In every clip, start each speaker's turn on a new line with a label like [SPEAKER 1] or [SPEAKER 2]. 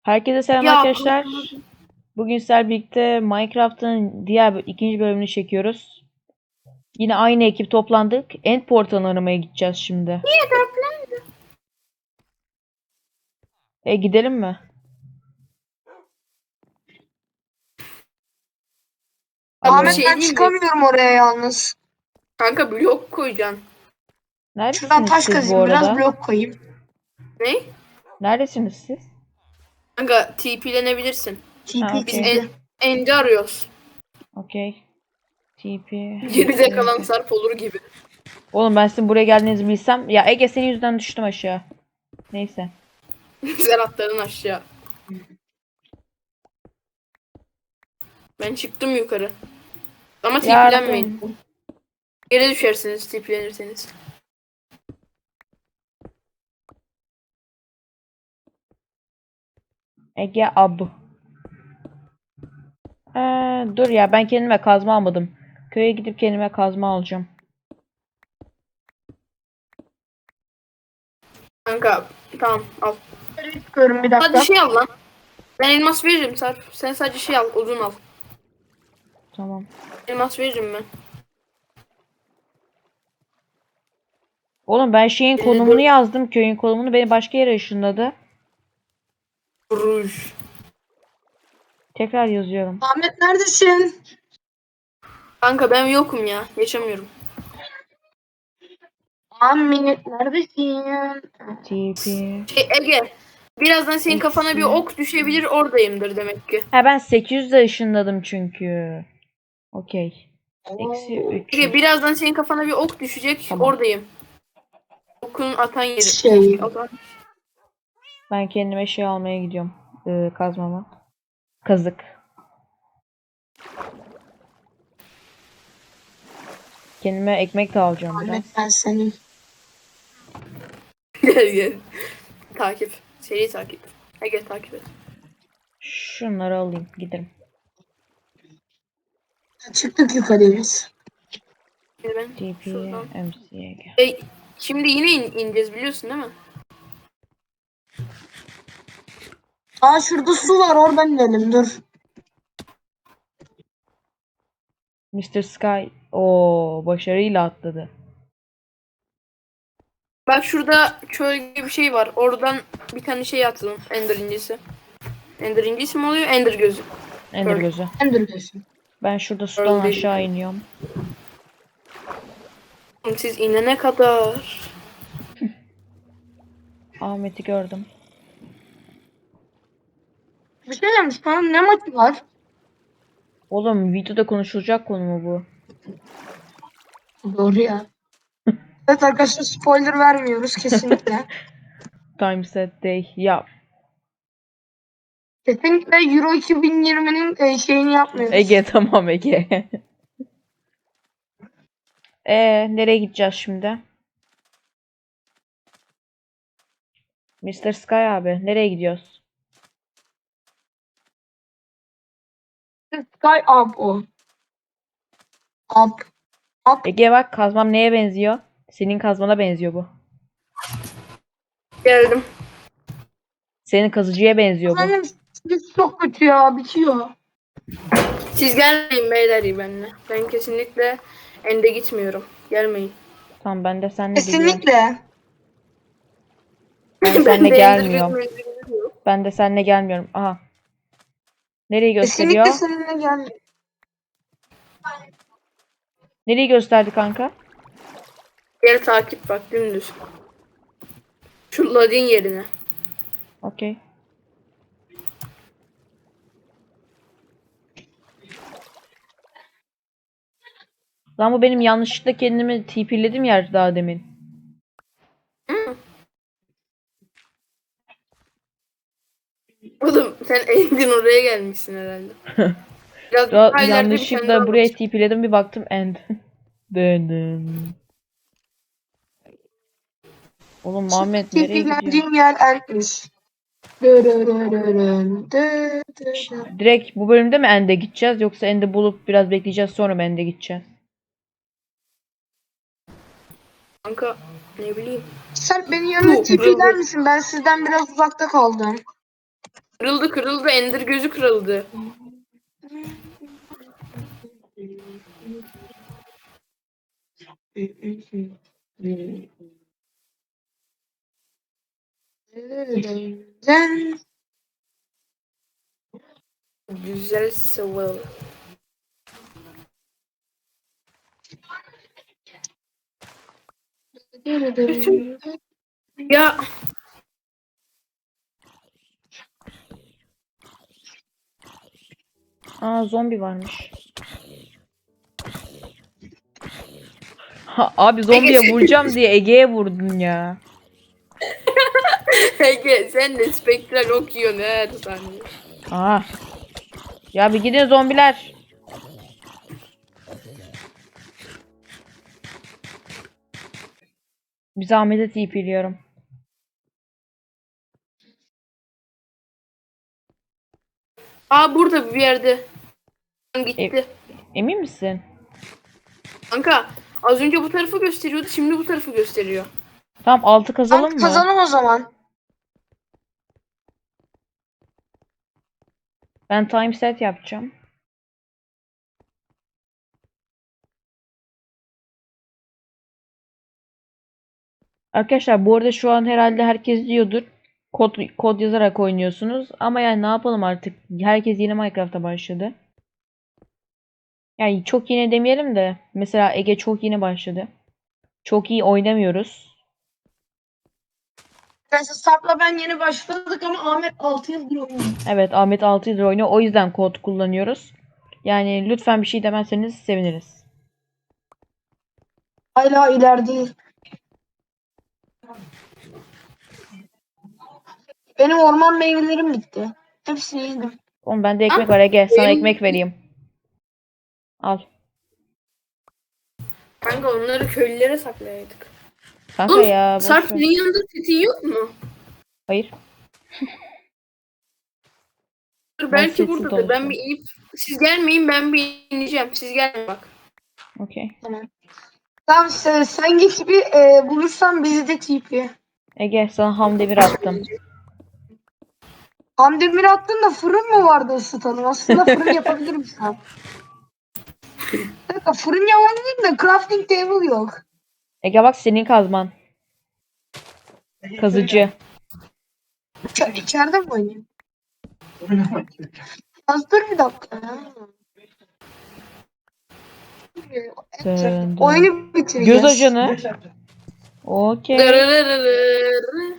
[SPEAKER 1] Herkese selam
[SPEAKER 2] Ya
[SPEAKER 1] arkadaşlar. Bugün sizlerle birlikte Minecraft'ın ikinci bölümünü çekiyoruz. Yine aynı ekip toplandık. End portalını aramaya gideceğiz şimdi. Gidelim mi?
[SPEAKER 2] bir
[SPEAKER 1] Alo.
[SPEAKER 3] Ahmet
[SPEAKER 2] şey
[SPEAKER 3] ben
[SPEAKER 2] diyeyim mi?
[SPEAKER 3] çıkamıyorum oraya yalnız.
[SPEAKER 2] Kanka blok koyacaksın.
[SPEAKER 3] Şuradan
[SPEAKER 1] Neredesiniz
[SPEAKER 3] taş
[SPEAKER 1] siz bu
[SPEAKER 3] kazayım biraz
[SPEAKER 1] arada?
[SPEAKER 3] blok koyayım.
[SPEAKER 2] Ne?
[SPEAKER 1] Neredesiniz siz?
[SPEAKER 2] Kanka TP'lenebilirsin.
[SPEAKER 1] Ha,
[SPEAKER 3] TP
[SPEAKER 2] Biz
[SPEAKER 1] okey.
[SPEAKER 3] TP.
[SPEAKER 2] End'i arıyoruz.
[SPEAKER 1] Okey. TP.
[SPEAKER 2] Geride kalan
[SPEAKER 1] MCG.
[SPEAKER 2] Sarp olur gibi.
[SPEAKER 1] Oğlum ben sizin buraya geldiğinizi bilsem. Ya Ege senin yüzünden düştüm aşağı. Neyse.
[SPEAKER 2] Serhatların aşağı. Ben çıktım yukarı. Ama TP'lenmeyin.
[SPEAKER 1] Yardım.
[SPEAKER 2] Geri düşersiniz TP'lenirseniz.
[SPEAKER 1] Ege ab. Dur ya ben kendime kazma almadım. Köye gidip kendime kazma alacağım.
[SPEAKER 2] Kanka tamam al.
[SPEAKER 3] Çıkıyorum bir dakika.
[SPEAKER 2] Hadi şey al lan. Ben elmas veririm Sarp. Sen sadece şey al. Odun al.
[SPEAKER 1] Tamam.
[SPEAKER 2] Elmas veririm ben.
[SPEAKER 1] Oğlum ben şeyin konumunu yazdım. Köyün konumunu beni başka yere ışınladı.
[SPEAKER 2] Ruj.
[SPEAKER 1] Tekrar yazıyorum.
[SPEAKER 3] Ahmet neredesin?
[SPEAKER 2] Kanka ben yokum ya. Yaşamıyorum.
[SPEAKER 3] Ahmet neredesin?
[SPEAKER 1] TP.
[SPEAKER 2] Ege. Birazdan senin kafana bir
[SPEAKER 1] Eksi.
[SPEAKER 2] ok düşebilir oradayımdır demek ki.
[SPEAKER 1] Ha ben 800'de ışınladım çünkü. Okey. Eksi
[SPEAKER 3] Oo,
[SPEAKER 2] Ege
[SPEAKER 1] 300.
[SPEAKER 2] birazdan senin kafana bir ok düşecek
[SPEAKER 1] Tamam.
[SPEAKER 2] oradayım. Okun atan yeri.
[SPEAKER 3] Şey.
[SPEAKER 1] Ben kendime şey almaya gidiyorum. Kazmama. Kazık. Kendime ekmek de alacağım biraz.
[SPEAKER 3] Ahmet ben senin.
[SPEAKER 2] Gel gel. Takip. Seri takip. Ege takip et.
[SPEAKER 1] Şunları alayım. Giderim.
[SPEAKER 3] Çıktık yukarıya biz.
[SPEAKER 2] Şimdi ben
[SPEAKER 1] TP.
[SPEAKER 2] şuradan.
[SPEAKER 1] MCG.
[SPEAKER 2] Şimdi yine ineceğiz biliyorsun değil mi?
[SPEAKER 3] Aa şurada su var oradan inelim dur.
[SPEAKER 1] Mr. Sky. O başarıyla atladı.
[SPEAKER 2] Bak şurada çöl gibi bir şey var. Oradan bir tane şey atalım. Ender incisi. Ender incisi mi oluyor? Ender gözü.
[SPEAKER 1] Ender
[SPEAKER 2] Pearl.
[SPEAKER 1] gözü.
[SPEAKER 3] Ender gözü.
[SPEAKER 1] Ben şurada sudan
[SPEAKER 2] Öyle değil
[SPEAKER 1] aşağı
[SPEAKER 2] yani.
[SPEAKER 1] iniyorum.
[SPEAKER 2] Siz inene kadar.
[SPEAKER 1] Ahmet'i gördüm.
[SPEAKER 3] Bir şey demiş sana ne maçı var?
[SPEAKER 1] Oğlum videoda konuşulacak konu mu bu?
[SPEAKER 3] Doğru ya. Evet arkadaşlar spoiler vermiyoruz kesinlikle.
[SPEAKER 1] Time set day. Ya
[SPEAKER 3] Kesinlikle Euro 2020'nin şeyini yapmıyoruz.
[SPEAKER 1] Ege tamam Ege. Nereye gideceğiz şimdi? Mr. Sky abi nereye gidiyoruz?
[SPEAKER 3] Sky up o. Up. Up.
[SPEAKER 1] Ege bak kazmam neye benziyor? Senin kazmana benziyor bu.
[SPEAKER 2] Geldim.
[SPEAKER 1] Senin kazıcıya benziyor bu.
[SPEAKER 3] Benim çok kötü ya bitiyor.
[SPEAKER 2] Siz gelmeyin beyler benimle. Ben kesinlikle Ende gitmiyorum. Gelmeyin.
[SPEAKER 1] Tamam ben de seninle geliyorum.
[SPEAKER 3] Kesinlikle.
[SPEAKER 1] Ben
[SPEAKER 2] Ben
[SPEAKER 1] seninle
[SPEAKER 2] de
[SPEAKER 1] gelmiyorum.
[SPEAKER 2] Ender gözü yok.
[SPEAKER 1] Ben de seninle gelmiyorum. Aha. Nereyi gösteriyor?
[SPEAKER 3] Kesinlikle seninle gel.
[SPEAKER 1] Nereyi gösterdi kanka?
[SPEAKER 2] Gel takip bak dümdüz. Şu ladin yerine.
[SPEAKER 1] Okey. Lan bu benim yanlışlıkla kendimi TP'ledim yer daha demin.
[SPEAKER 2] Oğlum sen End'in oraya gelmişsin herhalde. Biraz
[SPEAKER 1] Ya,
[SPEAKER 2] daha ileride bir tane
[SPEAKER 1] yanlışlıkla
[SPEAKER 2] daha
[SPEAKER 1] buraya
[SPEAKER 2] var.
[SPEAKER 1] TP'ledim bir baktım end. Döndüm. Oğlum Muhammed nereye gidiyor?
[SPEAKER 3] Tipiklendiğim yer ertmiş.
[SPEAKER 1] Direkt bu bölümde mi end'e gideceğiz yoksa end'i bulup biraz bekleyeceğiz sonra mı end'e gideceğiz?
[SPEAKER 2] Kanka ne bileyim.
[SPEAKER 3] Sen beni yanına tipikler misin? Ben sizden biraz uzakta kaldım.
[SPEAKER 2] Kırıldı. Ender gözü kırıldı. Güzel sıvı. Ya
[SPEAKER 1] Aa, zombi varmış. Ha, abi zombiye
[SPEAKER 2] Ege,
[SPEAKER 1] vuracağım diye Ege'ye vurdun ya.
[SPEAKER 2] Ege sen de spektral okuyorsun her saniye.
[SPEAKER 1] Aa. Ya bir gidin zombiler. Biz Ahmet'e TP'liyorum.
[SPEAKER 2] Aa burada bir yerde. Gitti.
[SPEAKER 1] Emin misin?
[SPEAKER 2] Kanka az önce bu tarafı gösteriyordu, şimdi bu tarafı gösteriyor.
[SPEAKER 1] Tamam, altı
[SPEAKER 3] Tamam,
[SPEAKER 1] kazalım mı?
[SPEAKER 3] kazanım o zaman.
[SPEAKER 1] Ben time set yapacağım. Arkadaşlar bu arada şu an herhalde herkes diyordur. Kod yazarak oynuyorsunuz. Ama yani ne yapalım artık. Herkes yeni Minecraft'a başladı. Yani çok yeni demeyelim de. Mesela Ege çok yeni başladı. Çok iyi oynamıyoruz.
[SPEAKER 3] Mesela Sarp'la ben yeni başladık ama Ahmet 6 yıldır oynuyor.
[SPEAKER 1] Evet, Ahmet 6 yıldır oynuyor. O yüzden kod kullanıyoruz. Yani lütfen bir şey demezseniz seviniriz.
[SPEAKER 3] Hala ileride. Benim orman meyvelerim bitti. Hepsini yedim.
[SPEAKER 1] Oğlum bende ekmek var Ege. Sana
[SPEAKER 2] benim-
[SPEAKER 1] ekmek vereyim. Al.
[SPEAKER 2] Kanka onları köylülere saklayaydık.
[SPEAKER 1] Kanka
[SPEAKER 2] Oğlum
[SPEAKER 1] ya, boş
[SPEAKER 2] Sarp
[SPEAKER 1] ver.
[SPEAKER 2] senin yanında setin yok mu?
[SPEAKER 1] Hayır.
[SPEAKER 2] Dur,
[SPEAKER 1] Ben
[SPEAKER 2] belki
[SPEAKER 1] setsiz
[SPEAKER 2] buradadır. Ben
[SPEAKER 1] dolaşıyorum.
[SPEAKER 2] bir inip siz gelmeyin, ben bir ineceğim. Siz gelmeyin bak.
[SPEAKER 1] Okey.
[SPEAKER 3] Tamam. Tamam, sen git bir bulursan bizi de TP.
[SPEAKER 1] Ege sana ham demir attım.
[SPEAKER 3] Hamdemir attın da fırın mı vardı ısıtalım? Aslında fırın yapabilirim şu an. Bir dakika, fırın yapabilirim de crafting table yok.
[SPEAKER 1] Ege bak, senin kazman. Kazıcı.
[SPEAKER 3] İçeride mi oynayayım? Az dur bir dakika.
[SPEAKER 1] Dın dın.
[SPEAKER 3] Oyunu bitireceğiz.
[SPEAKER 1] Göz ajanı. Okey.
[SPEAKER 2] Dırırırırır.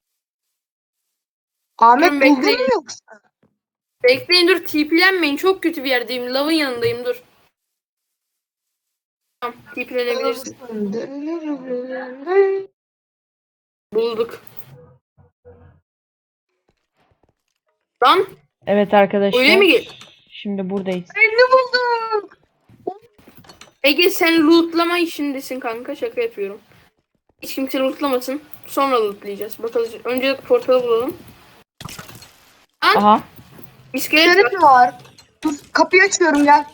[SPEAKER 3] Ahmet
[SPEAKER 2] Durun,
[SPEAKER 3] buldun
[SPEAKER 2] bekleyin.
[SPEAKER 3] mu yoksa?
[SPEAKER 2] Bekleyin, dur, TP'lenmeyin. Çok kötü bir yerdeyim. Lavın yanındayım, dur. Tamam, TP'lenebilirsin. Bulduk. Lan
[SPEAKER 1] Evet arkadaşlar.
[SPEAKER 2] öyle mi gel?
[SPEAKER 1] Şimdi buradayız.
[SPEAKER 3] Ne buldum?
[SPEAKER 2] Ege sen lootlama işindesin kanka, şaka yapıyorum. Hiç kimse lootlamasın. Sonra lootlayacağız. Bakalım. Önce portalı bulalım. Lan
[SPEAKER 1] Aha.
[SPEAKER 2] iskelet var.
[SPEAKER 3] İçeride mi var? Dur, kapıyı açıyorum, gel.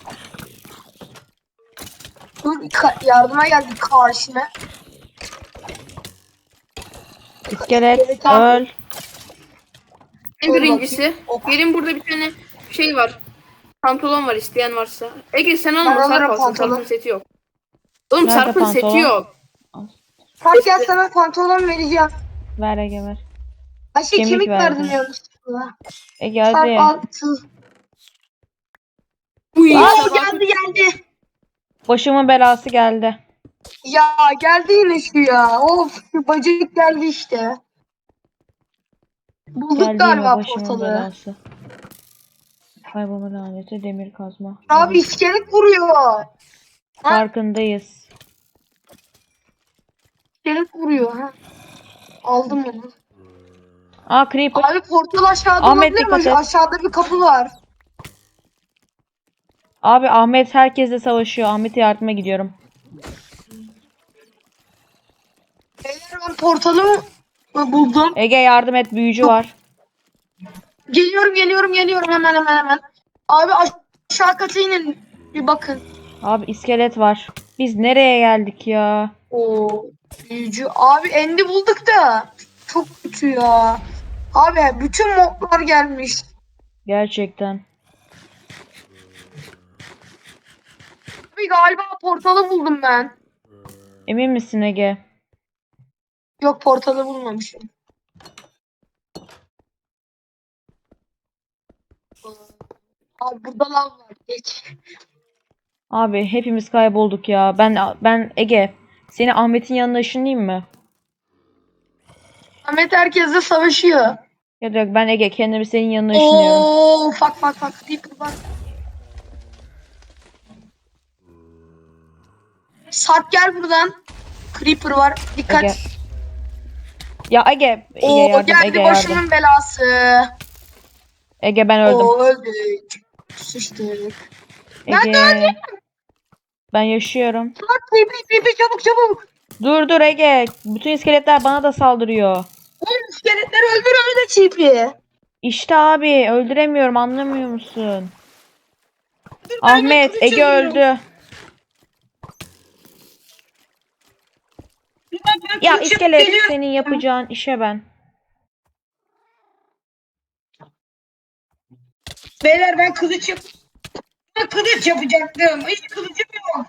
[SPEAKER 3] Dur, yardıma geldi karşına.
[SPEAKER 1] İskelet
[SPEAKER 3] Tamam.
[SPEAKER 1] öl.
[SPEAKER 2] En birincisi.
[SPEAKER 3] Ok.
[SPEAKER 2] Gelin, burada bir tane şey var. Pantolon var, isteyen varsa. Ege sen alma,
[SPEAKER 3] Ben
[SPEAKER 2] Sarp
[SPEAKER 3] alırım
[SPEAKER 2] alsın.
[SPEAKER 3] pantolon.
[SPEAKER 2] Sarp'ın seti yok. Oğlum
[SPEAKER 1] Nerede
[SPEAKER 2] Sarp'ın seti
[SPEAKER 1] pantolon?
[SPEAKER 2] yok.
[SPEAKER 3] Fark gel, sana pantolon vereceğim.
[SPEAKER 1] Ver Ege ver.
[SPEAKER 3] Ay şey,
[SPEAKER 1] Kemik
[SPEAKER 3] kemik
[SPEAKER 1] verdim.
[SPEAKER 3] verdim yanlışlıkla.
[SPEAKER 1] Ege
[SPEAKER 3] Sarp
[SPEAKER 1] hadi.
[SPEAKER 3] al.
[SPEAKER 2] Uy,
[SPEAKER 3] Oo,
[SPEAKER 2] sabah-
[SPEAKER 3] geldi.
[SPEAKER 1] Başımın belası geldi.
[SPEAKER 3] Ya geldi yine şu ya. Of, şu bacak geldi işte. Bulduk
[SPEAKER 1] Geldi yine
[SPEAKER 3] galiba
[SPEAKER 1] başımın
[SPEAKER 3] portalı.
[SPEAKER 1] belası. Kaybolma laneti, demir kazma.
[SPEAKER 3] Abi iskelet vuruyor.
[SPEAKER 1] Farkındayız.
[SPEAKER 3] İskelet vuruyor. Ha. Aldım onu.
[SPEAKER 1] Aa, creeper.
[SPEAKER 3] Abi portal aşağıda
[SPEAKER 1] Ahmet,
[SPEAKER 3] olabilir mi?
[SPEAKER 1] dikkat et.
[SPEAKER 3] Aşağıda bir kapı var.
[SPEAKER 1] Abi Ahmet herkesle savaşıyor. Ahmet'e yardıma gidiyorum.
[SPEAKER 3] Eğer ben portalı buldum.
[SPEAKER 1] Ege yardım et, büyücü var.
[SPEAKER 3] Geliyorum hemen. Abi aşağı kata inin. Bir bakın.
[SPEAKER 1] Abi iskelet var. Biz nereye geldik ya?
[SPEAKER 3] Oo, büyücü. Abi endi bulduk da. Çok kötü ya. Abi bütün moblar gelmiş.
[SPEAKER 1] Gerçekten.
[SPEAKER 3] Abi galiba portalı buldum ben.
[SPEAKER 1] Emin misin Ege?
[SPEAKER 3] Yok, portalı bulmamışım. Abi burada lav var. Geç.
[SPEAKER 1] Abi hepimiz kaybolduk ya. Ben Ege. Seni Ahmet'in yanına ışınlayayım mı?
[SPEAKER 3] Ahmet herkesle savaşıyor.
[SPEAKER 1] Ya da yok, ben Ege kendimi senin yanına ışınlıyorum.
[SPEAKER 3] Oo, bak. Creeper bak. Sarp gel buradan. Creeper var. Dikkat.
[SPEAKER 1] Ege. Ya Ege
[SPEAKER 3] Oo,
[SPEAKER 1] yardım,
[SPEAKER 3] geldi
[SPEAKER 1] Ege yardım.
[SPEAKER 3] başımın belası.
[SPEAKER 1] Ege ben öldüm.
[SPEAKER 3] Oo, öldük. Sıçtık. Ben de
[SPEAKER 1] Ege. Ben yaşıyorum.
[SPEAKER 3] Sarp, pipi çabuk.
[SPEAKER 1] Dur Ege. Bütün iskeletler bana da saldırıyor.
[SPEAKER 3] Oğlum iskeletleri öldür öyle çipi.
[SPEAKER 1] İşte abi öldüremiyorum, anlamıyor musun? Ahmet,
[SPEAKER 3] kılıç
[SPEAKER 1] Ege
[SPEAKER 3] alıyorum.
[SPEAKER 1] öldü. Ya iskelet, senin yapacağın işe ben.
[SPEAKER 3] Beyler ben kılıç yapacaktım. Hiç kılıcım yok.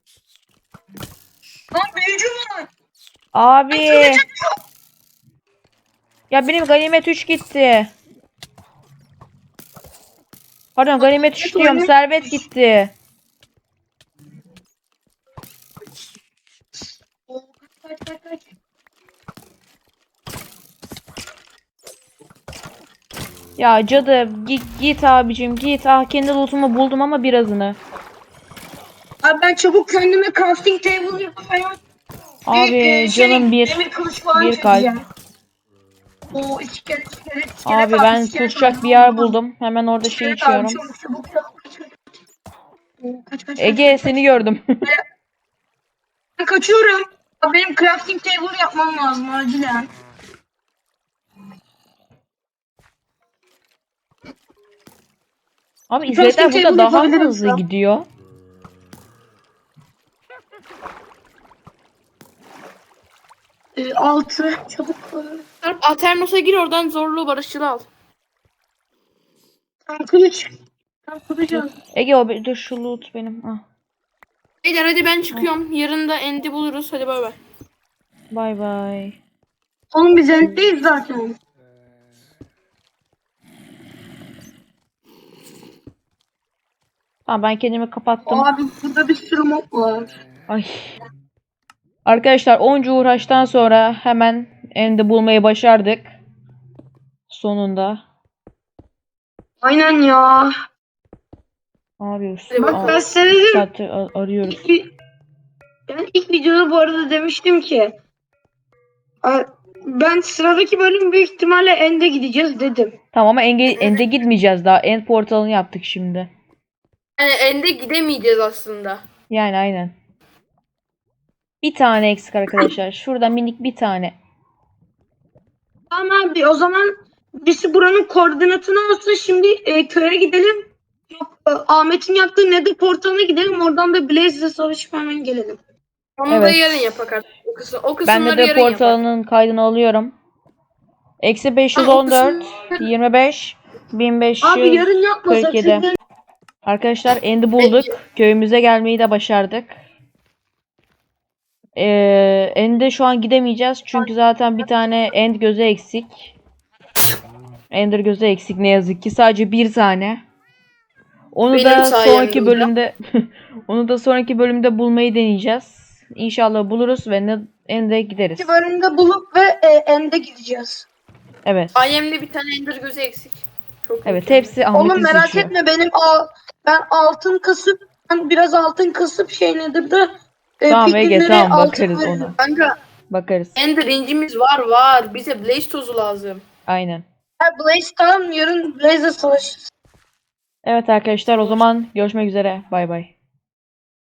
[SPEAKER 3] Lan büyücü var.
[SPEAKER 1] Abi.
[SPEAKER 3] Kılıcım yok.
[SPEAKER 1] Ya benim ganimet 3 gitti. Pardon, ganimet 3 diyorum,
[SPEAKER 3] ganimet
[SPEAKER 1] servet gitti.
[SPEAKER 3] Kaç.
[SPEAKER 1] Ya cadı git abicim git. Ah, kendi lootumu buldum ama birazını.
[SPEAKER 3] Abi ben çabuk kendime crafting table yapayım.
[SPEAKER 1] Abi canım bir.
[SPEAKER 3] Demir kılıç falan
[SPEAKER 1] Bir kalp.
[SPEAKER 3] çekeceğim. Oo, iskelet.
[SPEAKER 1] Abi ben kusacak bir yer buldum. Hemen orada şey içiyorum.
[SPEAKER 3] Çabuk. Oo, kaç.
[SPEAKER 1] Ege seni gördüm.
[SPEAKER 3] Ben kaçıyorum. Abi benim crafting table yapmam lazım acilen.
[SPEAKER 1] Abi iskeletler burada
[SPEAKER 3] table
[SPEAKER 1] daha mı
[SPEAKER 3] yapabilirim
[SPEAKER 1] hızlı
[SPEAKER 3] şu an.
[SPEAKER 1] gidiyor?
[SPEAKER 3] 6 çabuk.
[SPEAKER 2] Sarp Aternos'a gir, oradan zorlu barışçılı al.
[SPEAKER 3] Tam kılıç. Al.
[SPEAKER 1] Ege dur şu loot benim. Ah,
[SPEAKER 2] Beyler hadi ben çıkıyorum. Yarın da End'i buluruz. Hadi bay bay.
[SPEAKER 1] bay bay.
[SPEAKER 3] Oğlum biz endeyiz zaten.
[SPEAKER 1] Tamam ben kendimi kapattım.
[SPEAKER 3] Abi burada bir sürü mob var.
[SPEAKER 1] Ay. Arkadaşlar onca uğraştan sonra hemen End'i bulmayı başardık. Sonunda.
[SPEAKER 3] Aynen ya.
[SPEAKER 1] Abi
[SPEAKER 3] Bak ben size dedim.
[SPEAKER 1] saattir arıyoruz.
[SPEAKER 3] Ben ilk videoda bu arada demiştim ki ben sıradaki bölüm büyük ihtimalle End'e gideceğiz dedim.
[SPEAKER 1] Tamam ama End'e gitmeyeceğiz daha. End portalını yaptık şimdi.
[SPEAKER 2] Yani End'e gidemeyeceğiz aslında.
[SPEAKER 1] Yani aynen. Bir tane eksik arkadaşlar. Şurada minik bir tane.
[SPEAKER 3] Tamam abi, o zaman birisi buranın koordinatını alsın, şimdi köye gidelim. Yok, Ahmet'in yaptığı Nether portalına gidelim, oradan da Blaze'le savaşıp hemen gelelim.
[SPEAKER 2] Onu da
[SPEAKER 1] Evet.
[SPEAKER 2] yarın yapak artık. O
[SPEAKER 1] Ben
[SPEAKER 2] kısımları
[SPEAKER 1] de
[SPEAKER 2] yarın yapak.
[SPEAKER 1] portalının kaydını alıyorum. Eksi 514, 25,
[SPEAKER 3] Abi
[SPEAKER 1] 1547.
[SPEAKER 3] yarın yapmasak çünkü
[SPEAKER 1] Arkadaşlar End'i bulduk. Köyümüze gelmeyi de başardık. End'e şu an gidemeyeceğiz. Çünkü zaten bir tane End gözü eksik. Ender gözü eksik ne yazık ki. Sadece bir tane. Onu
[SPEAKER 2] Benim
[SPEAKER 1] da
[SPEAKER 2] sayemde
[SPEAKER 1] sonraki
[SPEAKER 2] o da.
[SPEAKER 1] bölümde onu da sonraki bölümde bulmayı deneyeceğiz. İnşallah buluruz ve End'e gideriz.
[SPEAKER 3] iki bölümde bulup ve End'e gideceğiz.
[SPEAKER 1] Evet.
[SPEAKER 2] IM'de bir tane Ender gözü eksik. Çok
[SPEAKER 1] Evet,
[SPEAKER 2] mükemmel.
[SPEAKER 1] hepsi Ahmet'in
[SPEAKER 3] Oğlum merak
[SPEAKER 1] suçu.
[SPEAKER 3] etme, ben biraz altın kasıp şey nedir de
[SPEAKER 1] Tamam Ege,
[SPEAKER 3] piklinlere
[SPEAKER 1] tamam
[SPEAKER 3] altın
[SPEAKER 1] bakarız
[SPEAKER 3] veririm.
[SPEAKER 1] ona.
[SPEAKER 2] Kanka
[SPEAKER 1] Bakarız.
[SPEAKER 2] Ender incimiz var. Bize Blaze tozu lazım.
[SPEAKER 1] Aynen.
[SPEAKER 3] Blaze tamam, yarın Blaze'le savaşırız.
[SPEAKER 1] Evet arkadaşlar, o zaman görüşmek üzere. Bay bay.